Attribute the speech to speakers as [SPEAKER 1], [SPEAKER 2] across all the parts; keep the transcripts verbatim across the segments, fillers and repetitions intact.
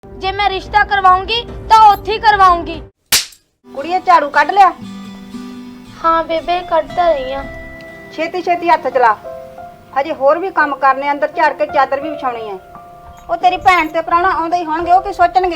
[SPEAKER 1] जे मैं रिश्ता करवाऊंगी तो उत्थे ही करवाऊंगी।
[SPEAKER 2] कुड़िए झाड़ू कढ़ लिया?
[SPEAKER 1] हाँ बेबे कढ़ता रही हां।
[SPEAKER 2] छेती छेती हथ चला, हजे होर भी काम करने, अंदर झाड़ के चादर भी विछाउणी है। ਉਹ तेरी भैन ते प्राहुणा आउंदे ही होणगे, ਉਹ ਕੀ ਸੋਚਣਗੇ?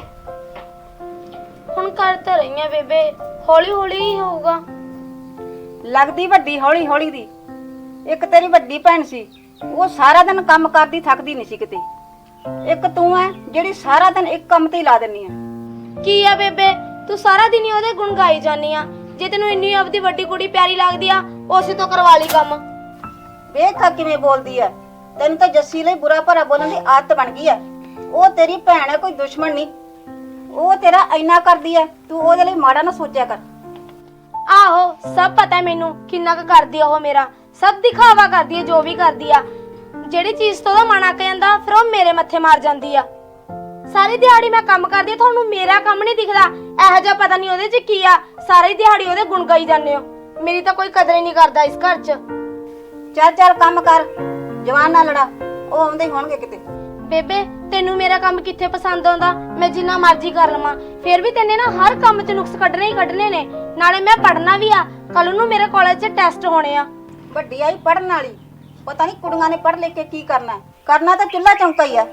[SPEAKER 1] ਹੁਣ ਕਰਤਾ ਰਹੀ ਹਾਂ ਬੇਬੇ, ਹੌਲੀ ਹੌਲੀ ਹੀ ਹੋਊਗਾ।
[SPEAKER 2] ਲੱਗਦੀ ਵੱਡੀ ਹੌਲੀ ਹੌਲੀ ਦੀ। ਇੱਕ ਤੇਰੀ ਵੱਡੀ ਭੈਣ ਸੀ, ਉਹ ਸਾਰਾ ਦਿਨ ਕੰਮ ਕਰਦੀ ਥੱਕਦੀ ਨਹੀਂ ਸੀ ਕਿਤੇ। ਇੱਕ ਤੂੰ ਹੈ ਜਿਹੜੀ ਸਾਰਾ ਦਿਨ ਇੱਕ ਕੰਮ ਤੇ ਹੀ ਲਾ ਦਿੰਨੀ ਹੈ।
[SPEAKER 1] ਕੀ ਆ ਬੇਬੇ, ਤੂੰ ਸਾਰਾ ਦਿਨ ਹੀ ਉਹਦੇ ਗੁਣ ਗਾਈ ਜਾਂਦੀ ਆ। ਜੇ ਤੈਨੂੰ ਇੰਨੀ ਆਪਦੀ ਵੱਡੀ ਕੁੜੀ ਪਿਆਰੀ ਲੱਗਦੀ ਆ, ਉਸੇ ਤੋਂ ਕਰਵਾ ਲਈ ਕੰਮ।
[SPEAKER 2] ਵੇਖ ਕਿਵੇਂ ਬੋਲਦੀ ਹੈ। ਤੈਨੂੰ ਤਾਂ ਜੱਸੀ ਲਈ ਬੁਰਾ ਭਲਾ ਬੋਲਣ ਦੀ ਆਦਤ ਬਣ ਗਈ ਹੈ। ਉਹ ਤੇਰੀ ਭੈਣ ਹੈ, ਕੋਈ ਦੁਸ਼ਮਣ ਨਹੀਂ। ਉਹ ਤੇਰਾ ਇੰਨਾ ਕਰਦੀ ਹੈ, ਤੂੰ ਉਹਦੇ ਲਈ ਮਾੜਾ ਨਾ ਸੋਚਿਆ ਕਰ।
[SPEAKER 1] ਆਹੋ ਸਭ ਪਤਾ ਮੈਨੂੰ ਕਿੰਨਾ ਕੁ ਕਰਦੀ ਆ ਉਹ ਮੇਰਾ। ਸਭ ਦਿਖਾਵਾ ਕਰਦੀ ਆ, ਜੋ ਵੀ ਕਰਦੀ ਆ। ਜਿਹੜੀ ਚੀਜ਼ ਤੋਂ ਉਹਦਾ ਮਨ ਅੱਕ ਜਾਂਦਾ, ਫਿਰ ਉਹ ਮੇਰੇ ਮੱਥੇ ਮਾਰ ਜਾਂਦੀ ਆ। ਸਾਰੀ ਦਿਹਾੜੀ ਮੈਂ ਕੰਮ ਕਰਦੀ ਆ, ਤੁਹਾਨੂੰ ਮੇਰਾ ਕੰਮ ਨਹੀਂ ਦਿਖਦਾ। ਇਹੋ ਜਿਹਾ ਪਤਾ ਨਹੀਂ ਉਹਦੇ 'ਚ ਕੀ ਆ, ਸਾਰੀ ਦਿਹਾੜੀ ਉਹਦੇ ਗੁਣ ਗਾਈ ਜਾਂਦੇ ਹੋ। ਮੇਰੀ ਤਾਂ ਕੋਈ ਕਦਰ ਹੀ ਨਹੀਂ ਕਰਦਾ ਇਸ ਘਰ 'ਚ।
[SPEAKER 2] ਚੱਲ ਚੱਲ ਕੰਮ ਕਰ, ਜਵਾਨ ਨਾਲ ਲੜਾ, ਉਹ ਆਉਂਦੇ ਹੀ ਹੋਣਗੇ ਕਿਤੇ।
[SPEAKER 1] ਬੇਬੇ ਤੈਨੂੰ ਮੇਰਾ ਕੰਮ ਕਿੱਥੇ ਪਸੰਦ ਆਉਂਦਾ? ਮੈਂ ਜਿੰਨਾ ਮਰਜ਼ੀ ਕਰ ਲਵਾਂ, ਫਿਰ ਵੀ ਤੈਨੇ ਨਾ ਹਰ ਕੰਮ 'ਚ ਨੁਕਸ ਕੱਢਣੇ ਹੀ ਕੱਢਣੇ ਨੇ। ਨਾਲੇ ਮੈਂ ਪੜ੍ਹਨਾ ਵੀ ਆ, ਕੱਲ ਨੂੰ ਮੇਰੇ ਕਾਲਜ 'ਚ ਟੈਸਟ ਹੋਣੇ ਆ।
[SPEAKER 2] ਵੱਡੀ ਆਈ ਪੜਨ ਵਾਲੀ, ਪਤਾ ਨਹੀਂ ਕੁੜੀਆਂ ਨੇ ਪੜ੍ਹ ਲੈ ਕੇ ਕੀ ਕਰਨਾ। ਕਰਨਾ ਤਾਂ ਚੁੱਲ੍ਹਾ ਚੌਂਕਾ ਹੀ ਆ।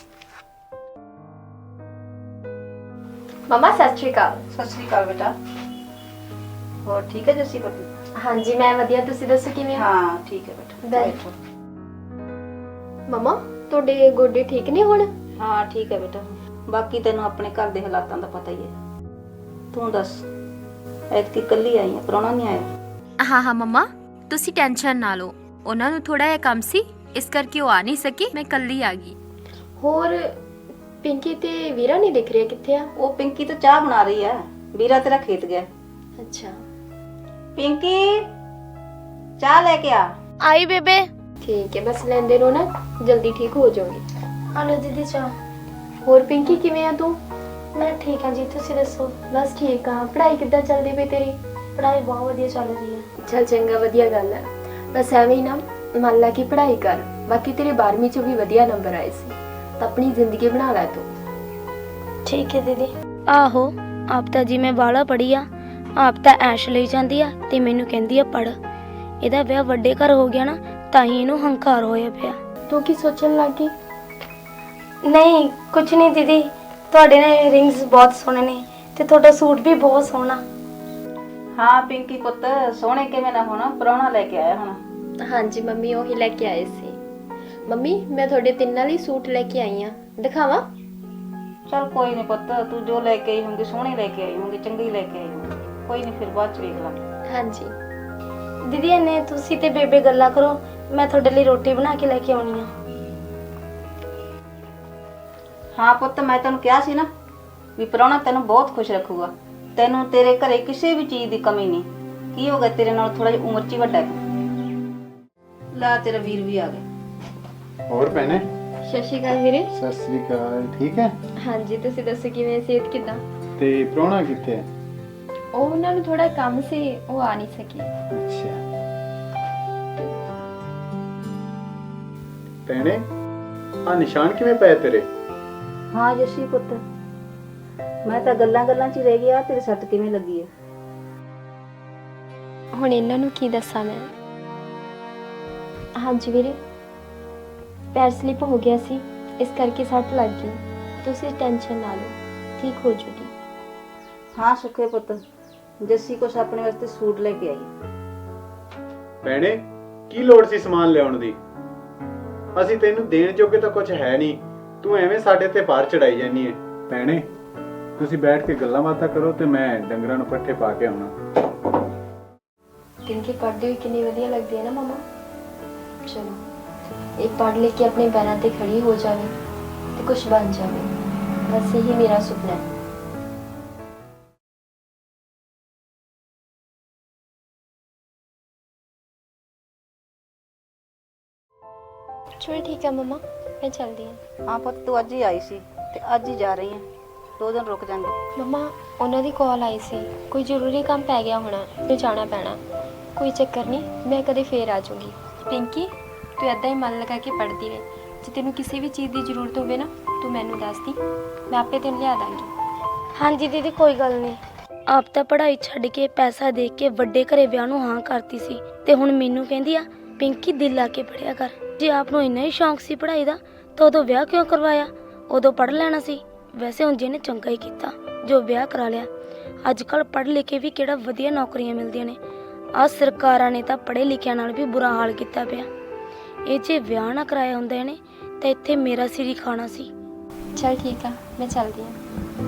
[SPEAKER 3] मम्मा सत श्री अकाल।
[SPEAKER 2] सत श्री अकाल बेटा। ਹੋਰ ਠੀਕ ਹੈ ਜੱਸੀ ਪੁੱਤ?
[SPEAKER 3] हाँ जी मैं वधिया, तुसी दसो किवें हो?
[SPEAKER 2] ਹਾਂ ਠੀਕ ਹੈ ਬੇਟਾ।
[SPEAKER 3] बैठो। मम्मा ਤੁਹਾਡੇ ਗੋਡੇ ਠੀਕ ਨੇ ਹੁਣ?
[SPEAKER 2] ਹਾਂ ਠੀਕ ਹੈ ਬੇਟਾ। ਬਾਕੀ ਤੈਨੂੰ ਆਪਣੇ ਘਰ ਦੇ ਹਾਲਾਤਾਂ ਦਾ ਪਤਾ ਹੀ ਹੈ। ਤੂੰ ਦੱਸ, ਐਤਕੀ ਇਕੱਲੀ ਆਈ ਹੈ, ਪ੍ਰਾਹੁਣਾ ਨਹੀਂ ਆਇਆ?
[SPEAKER 4] ਹਾਂ ਹਾਂ ਮੰਮਾ, ਤੁਸੀਂ ਟੈਨਸ਼ਨ ਨਾ ਲਓ। ਉਹਨਾਂ ਨੂੰ ਥੋੜਾ ਜਿਹਾ ਕੰਮ ਸੀ, ਇਸ ਕਰਕੇ ਉਹ ਆ ਨਹੀਂ ਸਕੀ। ਮੈਂ ਕੱਲੀ ਆ ਗਈ।
[SPEAKER 3] ਹੋਰ ਪਿੰਕੀ ਤੇ ਵੀਰਾ ਨਹੀਂ ਦਿਖ ਰਿਹਾ, ਕਿੱਥੇ ਆ?
[SPEAKER 2] ਉਹ ਪਿੰਕੀ ਤਾਂ ਚਾਹ ਬਣਾ ਰਹੀ ਹੈ, ਵੀਰਾ ਤੇਰਾ ਖੇਤ ਗਿਆ।
[SPEAKER 3] अच्छा
[SPEAKER 2] पिंकी चाय लेके आ।
[SPEAKER 1] आई बेबे।
[SPEAKER 3] ठीक है, बस लेंदे रहो ना, जल्दी ठीक हो जाओगे।
[SPEAKER 1] आलो दीदी चाह।
[SPEAKER 3] ਹੋਰ ਪਿੰਕੀ ਕਿਵੇਂ ਆ ਤੂੰ?
[SPEAKER 1] मैं ठीक हाँ जी, तुसी दसो?
[SPEAKER 3] ਬਸ ਠੀਕ ਆ। ਪੜ੍ਹਾਈ ਕਿੱਦਾਂ ਚੱਲਦੀ ਪਈ ਤੇਰੀ?
[SPEAKER 1] पढ़ाई बहुत वधिया चल रही है।
[SPEAKER 3] ਚੱਲ ਚੰਗਾ, ਵਧੀਆ ਗੱਲ ਹੈ। ਬਸ ਐਵੇਂ ਹੀ ਨਾ ਮੰਨ ਲਾ ਕਿ ਪੜ੍ਹਾਈ ਕਰ। ਬਾਕੀ ਤੇਰੇ ਬਾਰਵੀਂ ਚੋਂ ਵੀ ਵਧੀਆ ਨੰਬਰ ਆਏ ਸੀ, ਤਾਂ ਆਪਣੀ ਜ਼ਿੰਦਗੀ ਬਣਾ ਲੈ ਤੂੰ।
[SPEAKER 1] ठीक है दीदी। आहो आप ਤਾਂ ਜੀ ਮੈਂ ਬਾਲਾ ਪੜ੍ਹੀ ਆ, ਆਪ ਤਾਂ ਐਸ਼ ਲਈ ਜਾਂਦੀ ਆ ਤੇ ਮੈਨੂੰ ਕਹਿੰਦੀ ਆ ਪੜ੍ਹ। ਇਹਦਾ ਵਿਆਹ ਵੱਡੇ ਘਰ ਹੋ ਗਿਆ ਨਾ, ਤਾਂ ਹੀ ਇਹਨੂੰ ਹੰਕਾਰ ਹੋਇਆ ਪਿਆ।
[SPEAKER 3] ਤੂੰ ਕੀ ਸੋਚਣ ਲੱਗੀ?
[SPEAKER 1] ਨਹੀਂ ਕੁਝ ਨਹੀਂ ਦੀਦੀ, ਤੁਹਾਡੇ ਨੇ ਰਿੰਗਸ ਬਹੁਤ ਸੋਹਣੇ ਨੇ ਤੇ ਤੁਹਾਡਾ ਸੂਟ ਵੀ ਬਹੁਤ ਸੋਹਣਾ।
[SPEAKER 2] ਹਾਂ ਪਿੰਕੀ ਪੁੱਤ, ਸੋਹਣੇ ਕਿਵੇਂ ਨਾ ਹੋਣਾ, ਪ੍ਰਾਹੁਣਾ ਲੈ ਕੇ ਆਇਆ ਹੁਣ।
[SPEAKER 3] ਹਾਂਜੀ ਮੰਮੀ, ਉਹੀ ਲੈ ਕੇ ਆਏ ਸੀ। ਮੰਮੀ ਮੈਂ ਤੁਹਾਡੇ ਤਿੰਨਾਂ ਲਈ ਸੂਟ ਲੈ ਕੇ ਆਈ ਆ, ਦਿਖਾਵਾਂ?
[SPEAKER 2] चल कोई नहीं पुत, तू जो लेके आई होंगी सोहनी लेके आई होंगी, चंगी लेके आई होंगी। कोई नहीं, फिर बाद च वेख लांगे।
[SPEAKER 3] ਹਾਂਜੀ
[SPEAKER 1] ਦੀਦੀ ਇਹਨੇ ਤੁਸੀਂ ਤੇ ਬੇਬੇ ਗੱਲਾਂ ਕਰੋ, ਮੈਂ ਤੁਹਾਡੇ ਲਈ ਰੋਟੀ ਬਣਾ ਕੇ ਲੈ ਕੇ ਆਉਣੀ ਆ।
[SPEAKER 2] हाँ पुत, मैं तेन कहा सी ना भी प्राहुणा तेन बहुत खुश रखूगा। तेनों तेरे घरे किसी भी चीज़ की कमी नहीं। की हो गया तेरे नाल थोड़ा जिहा उम्र च ही वड्डा है। ला तेरा वीर भी आ गया।
[SPEAKER 5] ਹੋਰ ਭੈਣੇ?
[SPEAKER 3] ਸਤਿ ਸ਼੍ਰੀ ਅਕਾਲ ਵੀਰੇ।
[SPEAKER 5] ਸਤਿ ਸ੍ਰੀ ਅਕਾਲ। ਠੀਕ ਹੈ?
[SPEAKER 3] ਹਾਂਜੀ ਤੁਸੀਂ ਦੱਸੋ ਕਿਵੇਂ, ਸਿਹਤ ਕਿੱਦਾਂ?
[SPEAKER 5] ਤੇ ਪ੍ਰਾਹੁਣਾ ਕਿੱਥੇ ਹੈ?
[SPEAKER 3] ਉਹ ਉਹਨਾਂ ਨੂੰ ਥੋੜਾ ਕੰਮ ਸੀ, ਉਹ ਆ ਨਹੀਂ ਸਕੀ।
[SPEAKER 5] ਅੱਛਾ ਭੈਣੇ, ਆ ਨਿਸ਼ਾਨ ਕਿਵੇਂ ਪਏ ਤੇਰੇ?
[SPEAKER 2] हाँ जशी पुत, मैं तो गल्लां गल्लां च ही रह गया, तेरी सट किवें लगी है?
[SPEAKER 3] ਹੁਣ ਇਹਨਾਂ ਨੂੰ ਕੀ ਦੱਸਾਂ ਮੈਂ। ਹਾਂਜੀ ਵੀਰੇ, ਪੈਰ ਸਲਿਪ ਹੋ ਗਿਆ ਸੀ, ਇਸ ਕਰਕੇ ਸੱਟ ਲੱਗ ਗਈ। ਤੁਸੀਂ ਟੈਨਸ਼ਨ ਨਾ ਲਓ, ਠੀਕ ਹੋ ਜੂਗੀ।
[SPEAKER 2] हाँ सुखे पुत, जस्सी कुछ अपने वास्ते सूट लेके आई।
[SPEAKER 5] ਭੈਣੇ ਕੀ ਲੋੜ ਸੀ ਸਮਾਨ ਲਿਆਉਣ ਦੀ? ਅਸੀਂ ਤੈਨੂੰ ਦੇਣ ਜੋਗੇ ਤਾਂ ਕੁਝ ਹੈ ਨਹੀਂ, ਤੂੰ ਐਵੇਂ ਸਾਡੇ ਤੇ ਭਾਰ ਚੜਾਈ ਜਾਨੀ ਹੈ। ਭੈਣੇ ਤੁਸੀਂ ਬੈਠ ਕੇ ਗੱਲਾਂ ਬਾਤਾਂ ਕਰੋ ਤੇ ਮੈਂ ਡੰਗਰਾਂ ਨੂੰ ਪੱਠੇ ਪਾ ਕੇ ਆਉਣਾ।
[SPEAKER 3] ਪਿੰਕੀ ਪੜ੍ਹਦੀ ਹੋਈ ਕਿੰਨੀ ਵਧੀਆ ਲੱਗਦੀ ਹੈ ਨਾ ਮਮਾ। ਚਲੋ ਇੱਕ ਪੜ੍ਹ ਲੈ ਕੇ ਆਪਣੇ ਪੈਰਾਂ ਤੇ ਖੜੀ ਹੋ ਜਾਵੇ ਤੇ ਕੁਝ ਬਣ ਜਾਵੇ, ਬਸ ਇਹੀ ਮੇਰਾ ਸੁਪਨਾ ਹੈ। चलो ठीक है मम्मा, मैं चलती हूँ।
[SPEAKER 2] हाँ पुत, तू अज ही आई सी ते अज ही जा रही है, दो दिन रुक जाएंगे।
[SPEAKER 3] मम्मा ਉਹਨਾਂ ਦੀ ਕਾਲ ਆਈ ਸੀ, ਕੋਈ ਜ਼ਰੂਰੀ ਕੰਮ ਪੈ ਗਿਆ ਹੋਣਾ, ਤੇ ਜਾਣਾ ਪੈਣਾ। ਕੋਈ ਚੱਕਰ ਨਹੀਂ, ਮੈਂ ਕਦੇ ਫੇਰ ਆ ਜਾਊਂਗੀ।
[SPEAKER 4] ਪਿੰਕੀ ਤੂੰ ਏਦਾਂ ਹੀ ਮਨ ਲਗਾ ਕੇ ਪੜ੍ਹਦੀ ਰਹੇ,
[SPEAKER 3] ਜੇ ਤੈਨੂੰ ਕਿਸੇ ਵੀ ਚੀਜ਼ ਦੀ ਜ਼ਰੂਰਤ ਹੋਵੇ ਨਾ ਤੂੰ ਮੈਨੂੰ ਦੱਸ ਦੀ, ਮੈਂ ਆਪੇ ਤੈਨੂੰ ਲਿਆ ਦਾਂਗੀ।
[SPEAKER 1] ਹਾਂਜੀ ਦੀਦੀ ਕੋਈ ਗੱਲ ਨਹੀਂ। ਆਪ ਤਾਂ ਪੜ੍ਹਾਈ ਛੱਡ ਕੇ ਪੈਸਾ ਦੇ ਕੇ ਵੱਡੇ ਘਰੇ ਵਿਆਹ ਨੂੰ ਹਾਂ ਕਰਤੀ ਸੀ ਤੇ ਹੁਣ ਮੈਨੂੰ ਕਹਿੰਦੀ ਆ ਪਿੰਕੀ ਦਿਲ ਲਾ ਕੇ ਪੜ੍ਹਿਆ ਕਰ। ਜੇ ਆਪ ਨੂੰ ਇੰਨਾ ਹੀ ਸ਼ੌਂਕ ਸੀ ਪੜ੍ਹਾਈ ਦਾ ਤਾਂ ਉਦੋਂ ਵਿਆਹ ਕਿਉਂ ਕਰਵਾਇਆ? ਉਦੋਂ ਪੜ੍ਹ ਲੈਣਾ ਸੀ। ਵੈਸੇ ਹੁਣ ਜਿਹਨੇ ਚੰਗਾ ਹੀ ਕੀਤਾ ਜੋ ਵਿਆਹ ਕਰਾ ਲਿਆ। ਅੱਜ ਕੱਲ੍ਹ ਪੜ੍ਹ ਲਿਖ ਕੇ ਵੀ ਕਿਹੜਾ ਵਧੀਆ ਨੌਕਰੀਆਂ ਮਿਲਦੀਆਂ ਨੇ। ਆਹ ਸਰਕਾਰਾਂ ਨੇ ਤਾਂ ਪੜ੍ਹੇ ਲਿਖਿਆਂ ਨਾਲ ਵੀ ਬੁਰਾ ਹਾਲ ਕੀਤਾ ਪਿਆ। ਇਹ ਜੇ ਵਿਆਹ ਨਾ ਕਰਾਇਆ ਹੁੰਦਾ ਇਹਨੇ ਤਾਂ ਇੱਥੇ ਮੇਰਾ ਸਿਰ ਹੀ ਖਾਣਾ ਸੀ।
[SPEAKER 3] ਚਲ ਠੀਕ ਆ, ਮੈਂ ਚੱਲਦੀ ਹਾਂ।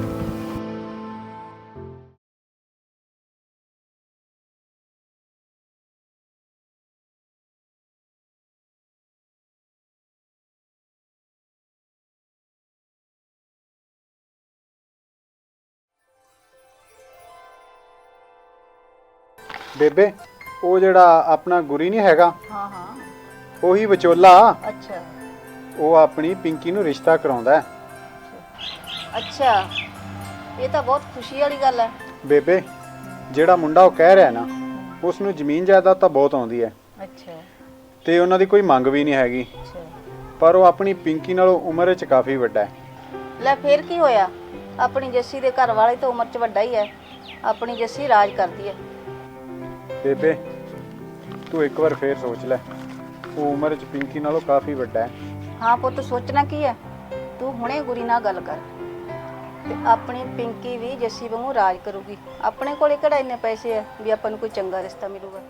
[SPEAKER 5] ਬੇਬੇ ਉਹ ਜਿਹੜਾ ਆਪਣਾ ਗੁਰੀ ਨਹੀਂ ਹੈਗਾ,
[SPEAKER 2] ਹਾਂ ਹਾਂ।
[SPEAKER 5] ਉਹੀ ਵਿਚੋਲਾ।
[SPEAKER 2] ਅੱਛਾ
[SPEAKER 5] ਉਹ ਆਪਣੀ ਪਿੰਕੀ ਨੂੰ ਰਿਸ਼ਤਾ ਕਰਾਉਂਦਾ ਹੈ।
[SPEAKER 2] ਅੱਛਾ, ਇਹ ਤਾਂ ਬਹੁਤ ਖੁਸ਼ੀ ਵਾਲੀ ਗੱਲ ਹੈ।
[SPEAKER 5] ਬੇਬੇ ਜਿਹੜਾ ਮੁੰਡਾ ਉਹ ਕਹਿ ਰਿਹਾ ਨਾ, ਉਸ ਨੂੰ ਜ਼ਮੀਨ ਜਾਇਦਾਦ ਤਾਂ ਬਹੁਤ ਆਉਂਦੀ ਹੈ
[SPEAKER 2] ਅੱਛਾ
[SPEAKER 5] ਤੇ ਉਹਨਾਂ ਦੀ ਕੋਈ ਮੰਗ ਵੀ ਨਹੀਂ ਹੈਗੀ,
[SPEAKER 2] ਅੱਛਾ।
[SPEAKER 5] ਪਰ ਉਹ ਆਪਣੀ ਪਿੰਕੀ ਨਾਲੋਂ ਉਮਰ ਵਿੱਚ ਕਾਫੀ ਵੱਡਾ ਹੈ।
[SPEAKER 2] ਲੈ ਫੇਰ ਕੀ ਹੋਇਆ, ਆਪਣੀ ਜੱਸੀ ਦੇ ਘਰ ਵਾਲੇ ਤਾਂ ਉਮਰ 'ਚ ਵੱਡਾ ਹੀ ਹੈ। ਆਪਣੀ ਜੱਸੀ ਰਾਜ ਕਰਦੀ ਹੈ।
[SPEAKER 5] ਬੇਬੇ ਤੂੰ ਇੱਕ ਵਾਰ ਫੇਰ ਸੋਚ ਲੈ, ਉਹ ਉਮਰ ਵਿੱਚ ਪਿੰਕੀ ਨਾਲੋਂ ਕਾਫੀ ਵੱਡਾ ਹੈ।
[SPEAKER 2] ਹਾਂ ਪੁੱਤ, ਸੋਚਣਾ ਕੀ ਹੈ, ਤੂੰ ਹੁਣੇ ਗੁਰੀ ਨਾਲ ਗੱਲ ਕਰ ਤੇ ਆਪਣੀ ਪਿੰਕੀ ਵੀ ਜੱਸੀ ਵਾਂਗੂ ਰਾਜ ਕਰੂਗੀ। ਆਪਣੇ ਕੋਲੇ ਕਿਹੜਾ ਇੰਨੇ ਪੈਸੇ ਆ ਵੀ ਆਪਾਂ ਨੂੰ ਕੋਈ ਚੰਗਾ ਰਿਸ਼ਤਾ ਮਿਲੂਗਾ।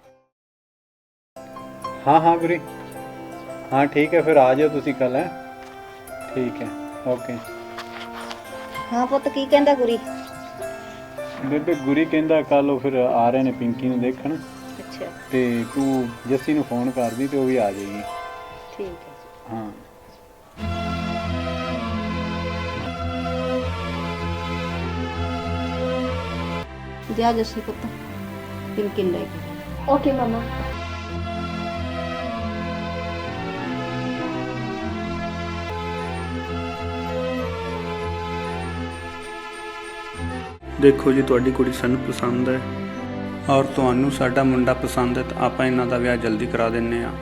[SPEAKER 5] ਹਾਂ ਹਾਂ ਗੁਰੀ, ਹਾਂ ਠੀਕ ਹੈ, ਫਿਰ ਆ ਜਾਓ ਤੁਸੀਂ ਕੱਲ। ਹੈ ਠੀਕ ਹੈ, ਓਕੇ।
[SPEAKER 2] ਹਾਂ ਪੁੱਤ, ਕੀ ਕਹਿੰਦਾ ਗੁਰੀ?
[SPEAKER 5] ਬੇਬੇ ਗੁਰੀ ਕਹਿੰਦਾ ਕੱਲ ਉਹ ਫਿਰ ਆ ਰਹੇ ਨੇ ਪਿੰਕੀ ਨੂੰ ਦੇਖਣ,
[SPEAKER 2] ਅੱਛਾ
[SPEAKER 5] ਤੇ ਤੂੰ ਜੱਸੀ ਨੂੰ ਫੋਨ ਕਰਦੀ ਤੇ ਉਹ ਵੀ ਆ ਜਾਏਗੀ।
[SPEAKER 2] ਠੀਕ ਹੈ।
[SPEAKER 5] ਹਾਂ
[SPEAKER 2] ਜਾ ਜੱਸੀ ਪੁੱਤ, ਪਿੰਕੀ ਨੂੰ ਲੈ ਕੇ।
[SPEAKER 3] ਓਕੇ ਮਮਾ।
[SPEAKER 6] ਦੇਖੋ ਜੀ, ਤੁਹਾਡੀ ਕੁੜੀ ਸਾਨੂੰ ਪਸੰਦ ਹੈ ਔਰ ਤੁਹਾਨੂੰ ਸਾਡਾ ਮੁੰਡਾ ਪਸੰਦ ਹੈ, ਤਾਂ ਆਪਾਂ ਇਹਨਾਂ ਦਾ ਵਿਆਹ ਜਲਦੀ ਕਰਾ ਦਿੰਨੇ ਆ।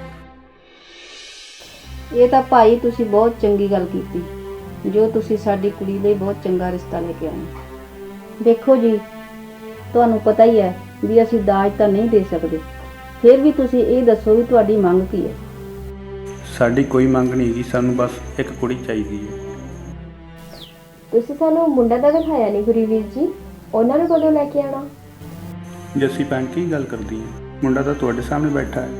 [SPEAKER 2] ਇਹ ਤਾਂ ਭਾਈ ਤੁਸੀਂ ਬਹੁਤ ਚੰਗੀ ਗੱਲ ਕੀਤੀ, ਜੋ ਤੁਸੀਂ ਸਾਡੀ ਕੁੜੀ ਲਈ ਬਹੁਤ ਚੰਗਾ ਰਿਸ਼ਤਾ ਲੈ ਕੇ ਆਏ। ਦੇਖੋ ਜੀ, ਤੁਹਾਨੂੰ ਪਤਾ ਹੀ ਹੈ ਵੀ ਅਸੀਂ ਦਾਜ ਤਾਂ ਨਹੀਂ ਦੇ ਸਕਦੇ, ਫਿਰ ਵੀ ਤੁਸੀਂ ਇਹ ਦੱਸੋ ਵੀ ਤੁਹਾਡੀ ਮੰਗ ਕੀ ਹੈ?
[SPEAKER 6] ਸਾਡੀ ਕੋਈ ਮੰਗ ਨਹੀਂ ਹੈਗੀ, ਸਾਨੂੰ ਬਸ ਇੱਕ ਕੁੜੀ ਚਾਹੀਦੀ ਹੈ।
[SPEAKER 3] ਤੁਸੀਂ ਸਾਨੂੰ ਮੁੰਡਾ ਤਾਂ ਦਿਖਾਇਆ ਨਹੀਂ ਗੁਰੀਵੀਰ ਜੀ, ਉਹਨਾਂ ਨੂੰ ਕਦੋਂ ਲੈ ਕੇ ਆਣਾ?
[SPEAKER 6] ਜੱਸੀ ਭੈਣ ਕੀ ਗੱਲ ਕਰਦੀ ਹੈ, ਮੁੰਡਾ ਤਾਂ ਤੁਹਾਡੇ ਸਾਹਮਣੇ ਬੈਠਾ ਹੈ।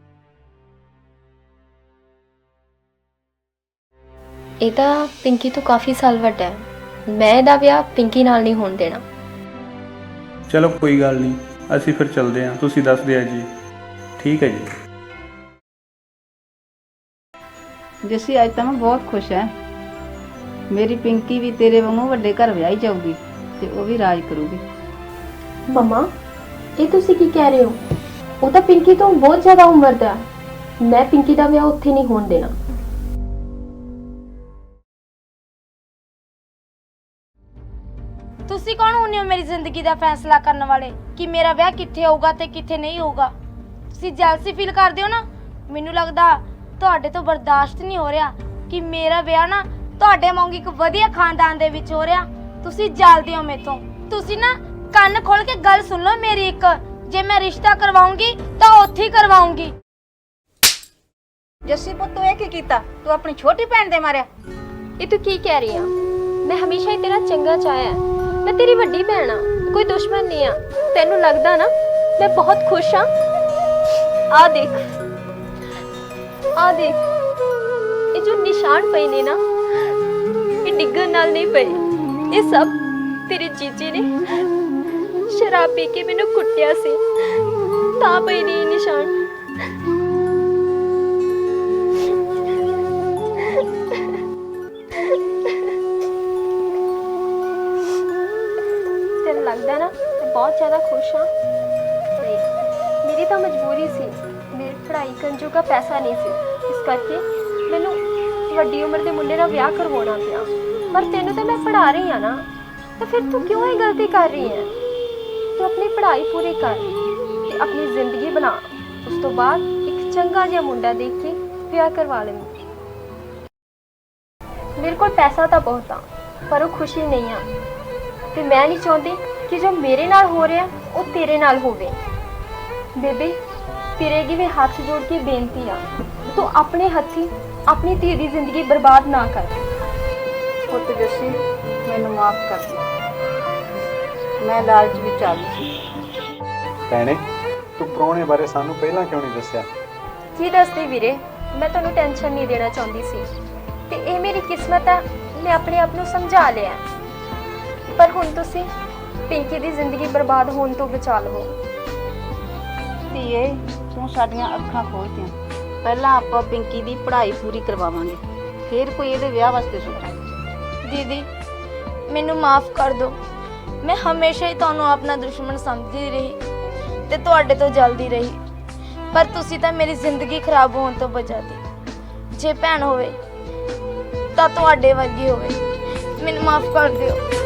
[SPEAKER 3] ਇਹ ਤਾਂ ਪਿੰਕੀ ਤੋਂ ਕਾਫੀ ਸਾਲ ਵੱਡਾ ਹੈ, ਮੈਂ ਇਹਦਾ ਵਿਆਹ ਪਿੰਕੀ ਨਾਲ ਨਹੀਂ ਹੋਣ ਦੇਣਾ।
[SPEAKER 6] ਚਲੋ ਕੋਈ ਗੱਲ ਨਹੀਂ, ਅਸੀਂ ਫਿਰ ਚੱਲਦੇ ਹਾਂ, ਤੁਸੀਂ ਦੱਸ ਦਿਆ ਜੀ। ਠੀਕ ਹੈ ਜੀ।
[SPEAKER 2] ਜੱਸੀ ਅੱਜ ਤਾਂ ਮੈਂ ਬਹੁਤ ਖੁਸ਼ ਹਾਂ। ਮੇਰੀ ਪਿੰਕੀ ਵੀ ਤੇਰੇ ਵਾਂਗੂ ਵੱਡੇ ਘਰ ਵਿਆਹੀ ਜਾਊਗੀ ਤੇ ਉਹ ਵੀ ਰਾਜ ਕਰੂਗੀ।
[SPEAKER 3] ਮਮਾ ਇਹ ਤੁਸੀਂ ਕੀ ਕਹਿ ਰਹੇ ਹੋ? ਉਹ ਤਾਂ ਪਿੰਕੀ ਤੋਂ ਬਹੁਤ ਜ਼ਿਆਦਾ ਉਮਰ ਦਾ ਹੈ, ਮੈਂ ਪਿੰਕੀ ਦਾ ਵਿਆਹ ਉੱਥੇ ਨਹੀਂ ਹੋਣ ਦੇਣਾ।
[SPEAKER 1] ਤੁਸੀਂ ਕੌਣ ਹੁੰਦੇ ਹੋ ਮੇਰੀ ਜ਼ਿੰਦਗੀ ਦਾ ਫੈਸਲਾ ਕਰਨ ਵਾਲੇ ਕਿ ਮੇਰਾ ਵਿਆਹ ਕਿੱਥੇ ਹੋਊਗਾ ਤੇ ਕਿੱਥੇ ਨਹੀਂ ਹੋਊਗਾ? ਤੁਸੀਂ ਜੈਲਸੀ ਫੀਲ ਕਰਦੇ ਹੋ ਨਾ, ਮੈਨੂੰ ਲੱਗਦਾ ਤੁਹਾਡੇ ਤੋਂ ਬਰਦਾਸ਼ਤ ਨਹੀਂ ਹੋ ਰਿਹਾ ਕਿ ਮੇਰਾ ਵਿਆਹ ਨਾ ਤੁਹਾਡੇ ਵਾਂਗ ਇੱਕ ਵਧੀਆ ਖਾਨਦਾਨ ਦੇ ਵਿੱਚ ਹੋ ਰਿਹਾ। ਤੁਸੀਂ ਜਲਦੇ ਹੋ ਮੇਥੋਂ। ਤੁਸੀਂ ਨਾ ਕੰਨ ਖੋਲ ਕੇ ਗੱਲ ਸੁਣ ਲਓ ਮੇਰੀ ਇੱਕ, ਜੇ ਮੈਂ ਰਿਸ਼ਤਾ ਕਰਵਾਉਂਗੀ ਤਾਂ ਉੱਥੇ ਹੀ ਕਰਵਾਉਂਗੀ।
[SPEAKER 2] ਜੱਸੀ ਪੁੱਤ, ਤੂੰ ਇਹ ਕੀ ਕੀਤਾ? ਤੂੰ ਆਪਣੀ ਛੋਟੀ ਭੈਣ ਦੇ ਮਾਰਿਆ?
[SPEAKER 3] ਇਹ ਤੂੰ ਕੀ ਕਹਿ ਰਹੀ ਆ? ਮੈਂ ਹਮੇਸ਼ਾ ਹੀ ਤੇਰਾ ਚੰਗਾ ਚਾਹਿਆ, ਮੈਂ ਤੇਰੀ ਵੱਡੀ ਭੈਣ ਆ, ਕੋਈ ਦੁਸ਼ਮਣ ਨਹੀਂ ਆ। ਤੈਨੂੰ ਲੱਗਦਾ ਨਾ ਮੈਂ ਬਹੁਤ ਖੁਸ਼ ਆ? ਆ ਦੇਖ, ਆ ਦੇਖ, ਇਹ ਜੋ ਨਿਸ਼ਾਨ ਪਏ ਨੇ ਨਾ, ਇਹ ਡਿੱਗਣ ਨਾਲ ਨਹੀਂ ਪਏ, ਇਹ ਸਭ ਤੇਰੇ ਜੀਜੇ ਨੇ ਸ਼ਰਾਬ ਪੀ ਕੇ ਮੈਨੂੰ ਕੁੱਟਿਆ ਸੀ ਤਾਂ ਪਏ ਨੇ ਇਹ ਨਿਸ਼ਾਨ। ਤੈਨੂੰ ਲੱਗਦਾ ਨਾ ਮੈਂ ਬਹੁਤ ਜ਼ਿਆਦਾ ਖੁਸ਼ ਹਾਂ? ਨਹੀਂ, ਮੇਰੀ ਤਾਂ ਮਜਬੂਰੀ ਸੀ, ਮੇਰੀ ਪੜ੍ਹਾਈ ਕਰਨ ਜੋਗਾ ਪੈਸਾ ਨਹੀਂ ਸੀ, ਇਸ ਕਰਕੇ ਮੈਨੂੰ ਵੱਡੀ ਉਮਰ ਦੇ ਮੁੰਡੇ ਨਾਲ ਵਿਆਹ ਕਰਵਾਉਣਾ ਪਿਆ। ਪਰ ਤੈਨੂੰ ਤਾਂ ਮੈਂ ਪੜ੍ਹਾ ਰਹੀ ਹਾਂ ਨਾ, ਤਾਂ ਫਿਰ ਤੂੰ ਕਿਉਂ ਇਹ ਗਲਤੀ ਕਰ ਰਹੀ ਹੈ? ਤੂੰ ਆਪਣੀ ਪੜ੍ਹਾਈ ਪੂਰੀ ਕਰ ਤੇ ਆਪਣੀ ਜ਼ਿੰਦਗੀ ਬਣਾ, ਉਸ ਤੋਂ ਬਾਅਦ ਇੱਕ ਚੰਗਾ ਜਿਹਾ ਮੁੰਡਾ ਦੇਖ ਕੇ ਵਿਆਹ ਕਰਵਾ ਲੈਂਦੀ। ਮੇਰੇ ਕੋਲ ਪੈਸਾ ਤਾਂ ਬਹੁਤ ਆ ਪਰ ਉਹ ਖੁਸ਼ੀ ਨਹੀਂ ਆ ਤੇ ਮੈਂ ਨਹੀਂ ਚਾਹੁੰਦੀ ਕਿ ਜੋ ਮੇਰੇ ਨਾਲ ਹੋ ਰਿਹਾ ਉਹ ਤੇਰੇ ਨਾਲ ਹੋਵੇ। ਬੇਬੇ ਤੇਰੇ ਅੱਗੇ ਵੀ ਹੱਥ ਜੋੜ ਕੇ ਬੇਨਤੀ ਆ, ਤੂੰ ਆਪਣੇ ਹੱਥੀਂ ਆਪਣੀ ਧੀ ਦੀ ਜ਼ਿੰਦਗੀ ਬਰਬਾਦ ਨਾ ਕਰ।
[SPEAKER 2] ਪੁੱਤ ਜੱਸੀ ਮੈਨੂੰ ਮਾਫ ਕਰ ਦੇ, ਮੈਂ ਲਾਲਚ ਵਿੱਚ ਆ ਗਈ ਸੀ।
[SPEAKER 5] ਭੈਣੇ ਤੂੰ ਪ੍ਰਾਹੁਣੇ ਬਾਰੇ ਸਾਨੂੰ ਪਹਿਲਾਂ ਕਿਉਂ ਨਹੀਂ ਦੱਸਿਆ?
[SPEAKER 3] ਕੀ ਦੱਸਦੀ ਵੀਰੇ, ਮੈਂ ਤੁਹਾਨੂੰ ਟੈਨਸ਼ਨ ਨਹੀਂ ਦੇਣਾ ਚਾਹੁੰਦੀ ਸੀ ਤੇ ਇਹ ਮੇਰੀ ਕਿਸਮਤ ਆ, ਮੈਂ ਆਪਣੇ ਆਪ ਨੂੰ ਸਮਝਾ ਲਿਆ। ਪਰ ਹੁਣ ਤੁਸੀਂ ਪਿੰਕੀ ਦੀ ਜ਼ਿੰਦਗੀ ਬਰਬਾਦ ਹੋਣ ਤੋਂ ਬਚਾ ਲਵੋ।
[SPEAKER 2] ਧੀਏ ਤੂੰ ਸਾਡੀਆਂ ਅੱਖਾਂ ਖੋਲ੍ਹਤੀਆਂ। ਪਹਿਲਾਂ ਆਪਾਂ ਪਿੰਕੀ ਦੀ ਪੜ੍ਹਾਈ ਪੂਰੀ ਕਰਵਾਵਾਂਗੇ, ਫਿਰ ਕੋਈ ਇਹਦੇ ਵਿਆਹ ਵਾਸਤੇ ਸੋਚਾਂਗੇ।
[SPEAKER 1] ਦੀਦੀ ਮੈਨੂੰ ਮਾਫ ਕਰ ਦਿਓ, ਮੈਂ ਹਮੇਸ਼ਾ ਹੀ ਤੁਹਾਨੂੰ ਆਪਣਾ ਦੁਸ਼ਮਣ ਸਮਝਦੀ ਰਹੀ ਤੇ ਤੁਹਾਡੇ ਤੋਂ ਜਲਦੀ ਰਹੀ, ਪਰ ਤੁਸੀਂ ਤਾਂ ਮੇਰੀ ਜ਼ਿੰਦਗੀ ਖਰਾਬ ਹੋਣ ਤੋਂ ਬਚਾਤੀ। ਜੇ ਭੈਣ ਹੋਵੇ ਤਾਂ ਤੁਹਾਡੇ ਵਰਗੀ ਹੋਵੇ। ਮੈਨੂੰ ਮਾਫ ਕਰ ਦਿਓ।